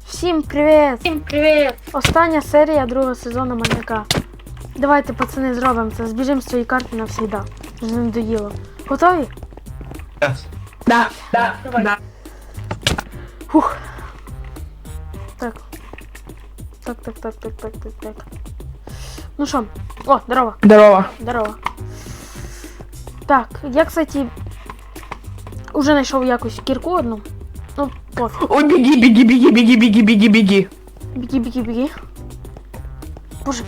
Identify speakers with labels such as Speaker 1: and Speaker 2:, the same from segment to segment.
Speaker 1: Всім привіт!
Speaker 2: Всім привіт!
Speaker 1: Остання серія другого сезону Маньяка. Давайте, пацани, зробимо це. Збіжимо з цієї карти навсігда. Вже не надоїло. Готові?
Speaker 2: Да, давай.
Speaker 3: Да.
Speaker 1: Фух. Так. Так. Ну що? О, здорово.
Speaker 3: Здорово.
Speaker 1: Здорово. Так, я, кстати, уже знайшов якусь кірку одну. Ну, пофіг.
Speaker 3: Ой, беги.
Speaker 1: Біги. Боже,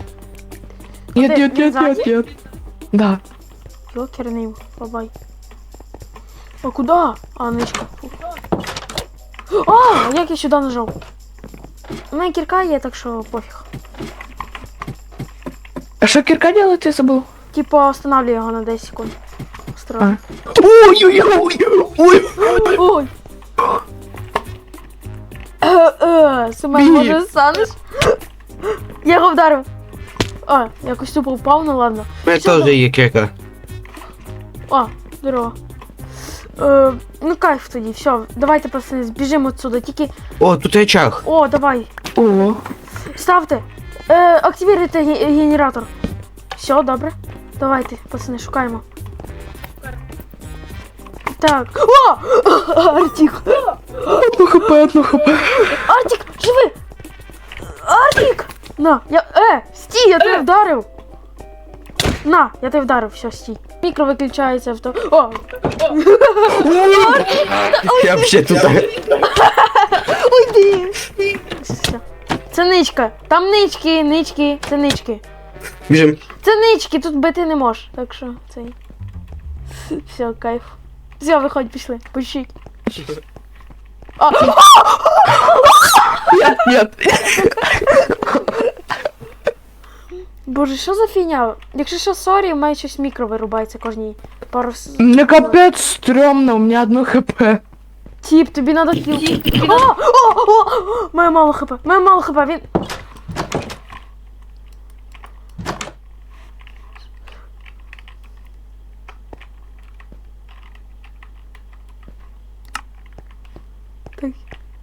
Speaker 3: Нет. Да.
Speaker 1: йокерний, бабай. А куда? А, ничка. Фу. А, як я сюди нажав? У мене кірка є, так що пофіг.
Speaker 3: А что кирка делает, я забыл?
Speaker 1: Типа, останавливаю його на 10 секунд. Осторожно.
Speaker 3: Ой.
Speaker 1: Ой. Семен,
Speaker 3: Біг.
Speaker 1: може станеш? Я його вдарив. А, якось тупо впав, ну ладно.
Speaker 4: У мене теж є кека.
Speaker 1: О, здорово. Ну кайф тоді, все, давайте, пацани, збіжимо отсюда, тільки...
Speaker 4: О, тут речах.
Speaker 1: О, давай,
Speaker 3: О.
Speaker 1: ставте. Активіруйте генератор. Все, добре. Давайте, пацани, шукаємо. Так. О! Артик!
Speaker 3: Одно хп.
Speaker 1: Артик, живи! Артик! На, я... стій, я тебе вдарив! На, я тебе вдарив, все, стій. Мікро виключається авто. О!
Speaker 4: Я взагалі тут.
Speaker 1: Уйди! Все. Це ничка. Там нички, це нички.
Speaker 4: Біжим.
Speaker 1: Це нички, тут бити не можеш, так що цей. Все, кайф. Все, виходь, пішли, пущик. А,
Speaker 3: Нет.
Speaker 1: Боже, що за фігня? Якщо що, сорі, у мене щось мікро вирубається кожній пару...
Speaker 3: Мне капец стрёмно, у меня одно хп.
Speaker 1: Тіп, тобі надо кіл. Має мало хп, він... Так.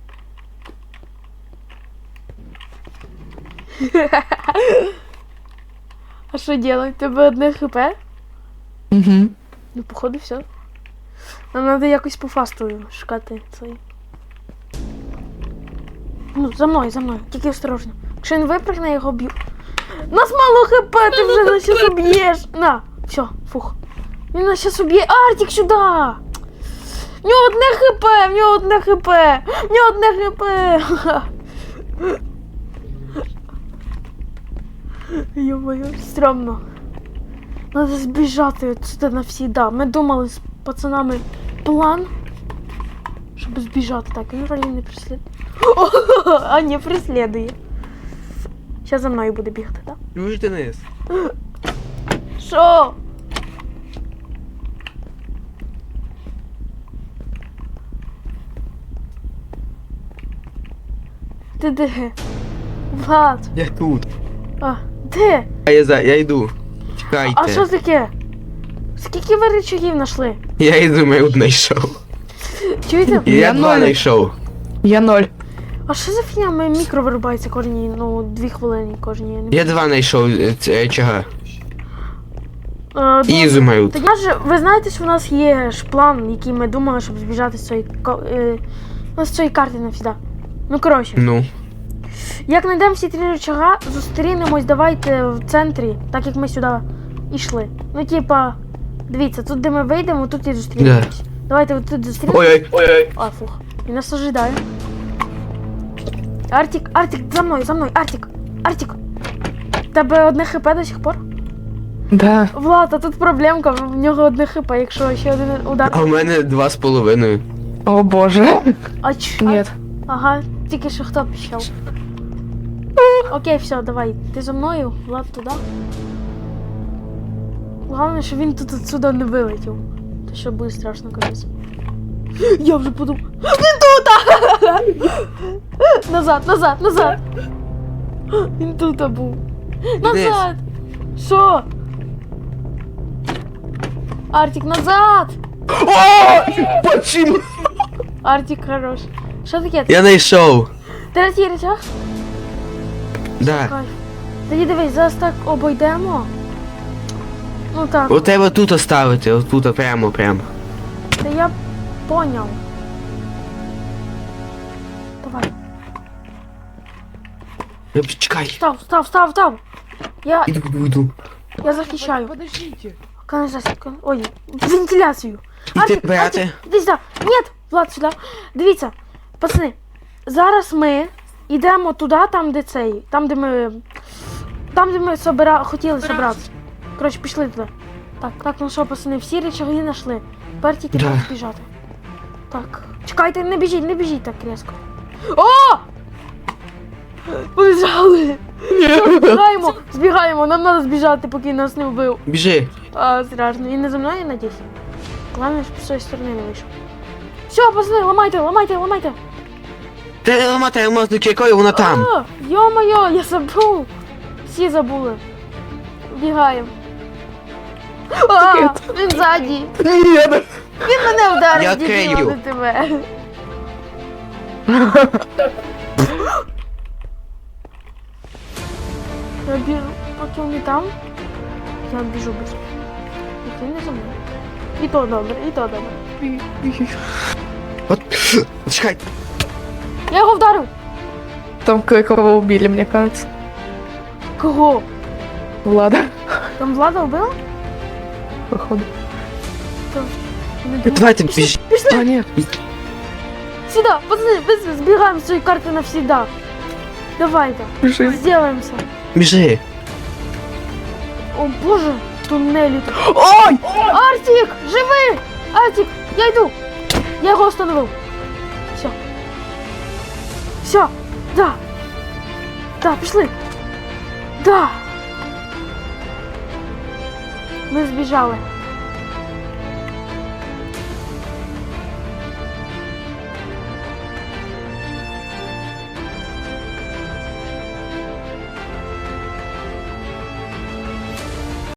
Speaker 1: А що делать? Тебе одне хп?
Speaker 3: Угу.
Speaker 1: Ну, походу, все. Нам треба якось по фасту шукати цей. Ну, за мною. Тільки осторожно. Якщо він випрыгне, я його б'ю. Нас мало хп, ти вже нас щас уб'єш. На, все, фух. Він нас щас уб'є. Артик, сюди! В нього одне хп! Ё-моё, стрёмно. Надо збіжати отсюда навсегда. Ми думали з пацанами план, щоб збіжати. Так, він вроде не преслідує. А, не преслідує. Зараз за мною буде бігати, так?
Speaker 4: Чуєш, Денис?
Speaker 1: Що? Ти де? Влад.
Speaker 4: Я тут.
Speaker 1: А, де?
Speaker 4: Я йду. Чекайте.
Speaker 1: А що таке? Скільки ви речагів знайшли?
Speaker 4: Я йду, я одне йшов.
Speaker 1: Чуєте?
Speaker 4: Я два
Speaker 3: ноль.
Speaker 4: знайшов.
Speaker 3: Я 0.
Speaker 1: А що за фігня? Моє мікро вирубається кожні, 2 хвилини кожні. Я не...
Speaker 4: Я два знайшов речага.
Speaker 1: Ну,
Speaker 4: Ізу маю.
Speaker 1: Та я ж, ви знаєте, що в нас є ж план, який ми думали, щоб збіжати з цієї, з цієї карти навсегда. Ну, коротше.
Speaker 4: Ну.
Speaker 1: Як знайдемо всі 3 рычага, зустрінемось, давайте в центрі, так як ми сюди йшли. Ну, типа, дивіться, тут де ми вийдемо, тут і зустрінемось. Давайте от тут зустрінемось.
Speaker 4: Ой-ой.
Speaker 1: А, фух. Він нас ожидає. Артик, за мною, Артик. Тебе одне хп до сих пор?
Speaker 3: Да.
Speaker 1: Влад, а тут проблемка, в нього одне хп, якщо ще один удар.
Speaker 4: А в мене 2,5.
Speaker 3: О боже.
Speaker 1: А ч...
Speaker 3: Нет.
Speaker 1: Ага, тільки що хто пішов. Окей, все, давай. Ти за мною, Влад туди. Головне, що він тут отсюда не вилетів. То що буде страшно казати. Я вже подумав. Він тут! Назад! Він тут був. Назад! Що? Артик, назад!
Speaker 4: О! Почему?
Speaker 1: Артик хорош. Що таке?
Speaker 4: Я знайшов.
Speaker 1: Третій речах?
Speaker 4: Да.
Speaker 1: Кайф. Тоді дивись, зараз так обійдемо. Ну так,
Speaker 4: У тебе тут оставити, отут, прямо.
Speaker 1: та я поняв. Давай.
Speaker 4: Чекай.
Speaker 1: Став.
Speaker 4: Іду.
Speaker 1: Я захищаю.
Speaker 2: Подождите.
Speaker 1: Канализацию. Ой, вентиляцію.
Speaker 4: Іди брати.
Speaker 1: Іди сюди. Нет, Влад, сюди. Дивіться, пацани, зараз ми йдемо туди, там, де цей, там, де ми хотіли собратися. Коротше, пішли туди. Так, ну що, пацани, всі речаги знайшли. Тепер тільки
Speaker 4: Да.
Speaker 1: треба збіжати. Так, чекайте, не біжіть так різко. О! Побіжали! Збігаємо, нам треба збіжати, поки нас не вбив.
Speaker 4: Біжи.
Speaker 1: Страшно. І не за мною, я надіюсь. Главное, щоб з цієї сторони не вийшов. Все, пацани, ламайте.
Speaker 4: Ти ламати мозок, якою вона там.
Speaker 1: Йо-моє, я забув. Всі забули. Бігаємо. Він ззаді. Він мене вдарив,
Speaker 4: Я
Speaker 1: дебіл,
Speaker 4: крию.
Speaker 1: не тебе. Я біжу, поки вони там. Я біжу без. Ти не за мною. І то добре.
Speaker 4: От, чекай.
Speaker 1: Я його вдарив.
Speaker 3: Там кое-кого убили, мне кажется.
Speaker 1: Кого?
Speaker 3: Влада,
Speaker 1: Там Влада вбила?
Speaker 3: походу.
Speaker 1: То не думаю.
Speaker 4: Давайте біж.
Speaker 3: А, нет.
Speaker 1: Сюда, пацаны, быстро сбегаем с своей карты навсегда. Давай-ка,
Speaker 3: Бежим.
Speaker 1: сделаемся.
Speaker 4: Біжи.
Speaker 1: О боже, туннелі тут.
Speaker 3: Ой!
Speaker 1: Артик, живи! Артик, я йду. Я його остановив. Все, да. Да, пішли. Да. Ми збіжали.